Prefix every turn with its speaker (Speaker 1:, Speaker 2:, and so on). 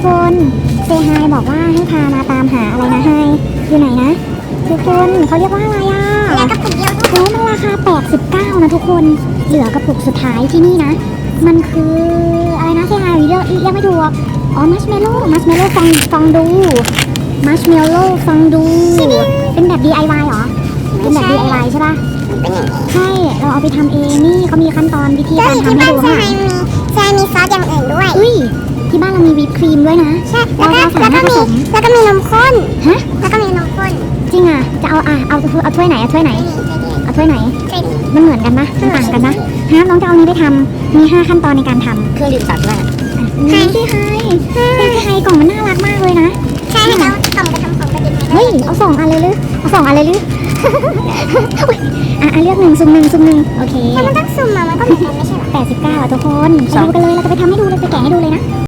Speaker 1: คนเซฮายบอกว่าให้พามาตามหาอะไรนะไฮอยู่ไหนนะทุกคนเขาเรียกว่าอะไรอ่ะ
Speaker 2: เหลือกระปุกเดียวด้วย
Speaker 1: โอ้มันราคา89นะทุกคนเหลือกระปุกสุดท้ายที่นี่นะมันคืออะไรนะเซฮายเรียกไม่ถูกอ๋อมัชเมลโล่ฟองดูมัชเมลโล่ฟองดูเป็นแบบ DIY เหรอเป็นแบบ DIY ใช่ป่ะ
Speaker 2: เป็นอย่างนี้
Speaker 1: ใช่เราเอาไปทำเองนี่เขามีขั้นตอนวิธี
Speaker 2: ก็
Speaker 1: การ
Speaker 2: ที่
Speaker 1: ทำให้
Speaker 2: บ้าน
Speaker 1: ดู
Speaker 2: เซ
Speaker 1: ค่ะ
Speaker 2: ฮายมีซอสอย่างอื่นด้วย
Speaker 1: อุ้ยที่บ้านเรามีวิปครีมด้วยนะ
Speaker 2: ใช่
Speaker 1: เราสามารถผสม
Speaker 2: แล้วก็มีนมข้น
Speaker 1: ฮะ
Speaker 2: แล้วก็มีนมข้น
Speaker 1: จริงอ่ะจะเอาถ้วยไหนเอาถ้วยไหน
Speaker 2: นี่
Speaker 1: เอาถ้วยไหน
Speaker 2: ใช่ดิ
Speaker 1: มันเหมือนกันปะมันต่างกันปะฮะน้องจะเอานี้ไปทำมี5ขั้นตอนในการทำ
Speaker 3: เครื่องดื่มสัตว์ด้วย
Speaker 1: ไฮที่ไฮกล่องมันน่ารักมากเลยนะ
Speaker 2: ใช่ให้เขากล่องไปทำของประดิษฐ์
Speaker 1: เฮ้ยเอา2 อันเลยหรือเอา2 อันเลยหรือ อุ๊ยเลือกสุ่มหนึ่งโอเค
Speaker 2: แต่มันต้องสุ่มมามันก็เหมือนกันไม่ใช่เหรอ
Speaker 1: 89อ่ะทุกคนไปดูกันเลยเราจะไปทำให้ดูเลยจะแกะให้ดูเลยนะ